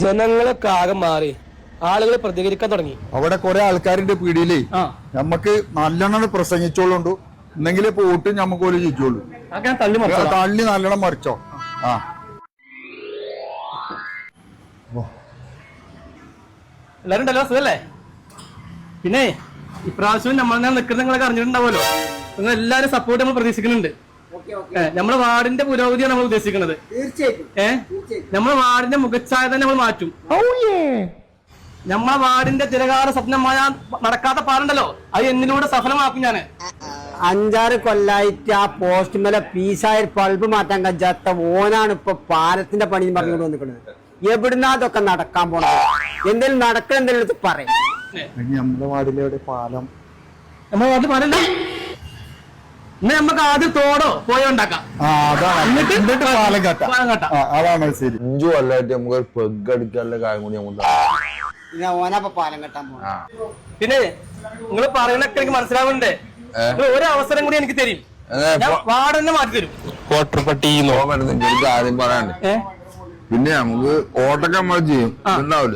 ജനങ്ങളൊക്കെ ആകെ മാറി, ആളുകൾ പ്രതികരിക്കാൻ തുടങ്ങി. അവിടെ കുറെ ആൾക്കാരുടെ പീടിയിലേ നമ്മക്ക് നല്ലോണം പ്രസംഗിച്ചോളുണ്ടു, എന്നെങ്കിലേ പോട്ട് ഞമ്മക്ക് പോലെ ജയിച്ചോളൂ. തള്ളി നല്ലോണം മറിച്ചോ. എല്ലാരും ഉണ്ടല്ലോ, സുഖല്ലേ? പിന്നെ ഇപ്രാവശ്യം നമ്മൾ നിൽക്കുന്ന നിങ്ങളൊക്കെ അറിഞ്ഞിട്ടുണ്ടാവുമല്ലോ. നിങ്ങൾ എല്ലാരും സപ്പോർട്ട് നമ്മൾ പ്രതീക്ഷിക്കുന്നുണ്ട്. നമ്മുടെ വാർഡിന്റെ പുരോഗതിയാണ് നമ്മൾ ഉദ്ദേശിക്കുന്നത്. നമ്മുടെ വാർഡിന്റെ മുഖച്ഛായ തന്നെ നമ്മൾ മാറ്റും. നമ്മളെ വാർഡിന്റെ തിരകാല സ്വപ്നമായ നടക്കാത്ത പാലുണ്ടല്ലോ, അത് എന്നിലൂടെ സഫലമാക്കും. ഞാന് 5-6 കൊല്ലായിട്ട് ആ പോസ്റ്റ് മേലെ പീസായ ബൾബ് മാറ്റാൻ കഴിയാത്ത ഓനാണ് ഇപ്പൊ പാലത്തിന്റെ പണി പറഞ്ഞുകൊണ്ട് വന്നിരിക്കുന്നത്. എവിടുന്നാ അതൊക്കെ നടക്കാൻ പോണത്? എന്തെങ്കിലും നടക്കണം, എന്തെങ്കിലും പറയും. നമ്മുടെ വാർഡിലെ പാലം, നമ്മുടെ വാർഡിൽ പാലല്ല. ഇന്ന് നമുക്ക് ആദ്യം തോടോ പോയോ ഉണ്ടാക്കാം. അതാണ് ശരി. 5 കൊല്ലമായിട്ട് നമുക്ക് ഒരു പെഗ് അടിക്കാനുള്ള കാര്യം കൂടി നമുക്ക് ഓനാ പാലം കെട്ടാൻ പോണ. പിന്നെ നിങ്ങൾ പറയുന്നൊക്കെ എനിക്ക് മനസ്സിലാവുന്നുണ്ട്. ഒരു അവസരം കൂടി എനിക്ക് തരും, വാർഡ് തന്നെ മാറ്റി തരും. എനിക്ക് ആദ്യം പറയാണ്ട്. പിന്നെ നമുക്ക് ഓട്ടൊക്കെ നമ്മൾ ചെയ്യും, ഉണ്ടാവില്ലേ?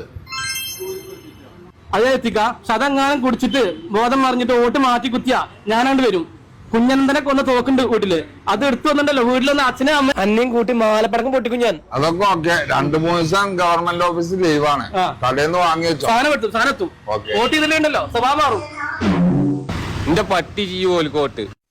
അത് എത്തിക്കാം. പക്ഷെ അതെങ്ങാനും കുടിച്ചിട്ട് ബോധം മറിഞ്ഞിട്ട് വോട്ട് മാറ്റി കുത്തിയാ ഞാനാണ്ട് വരും. കുഞ്ഞനന്തനെ കൊന്ന് തോക്കുണ്ട് വീട്ടില്, അത് എടുത്തു വന്നിട്ടല്ലോ വീട്ടിലൊന്ന് അച്ഛനെ അമ്മ അന്നയും കൂട്ടി മാലപ്പടക്കം പൊട്ടിക്കും ഞാൻ. അതൊക്കെ ഓക്കെ. 2-3 ദിവസം ഗവൺമെന്റ് ഓഫീസ് ലീവാണ്, കടയിൽന്ന് വാങ്ങി വെച്ചോ. സാധനം എത്തും. വോട്ട് ചെയ്തിട്ടുണ്ടല്ലോ, സ്വഭാവം മാറും. എന്റെ പട്ടി ചെയ്യും ഓൽക്കോട്ട്.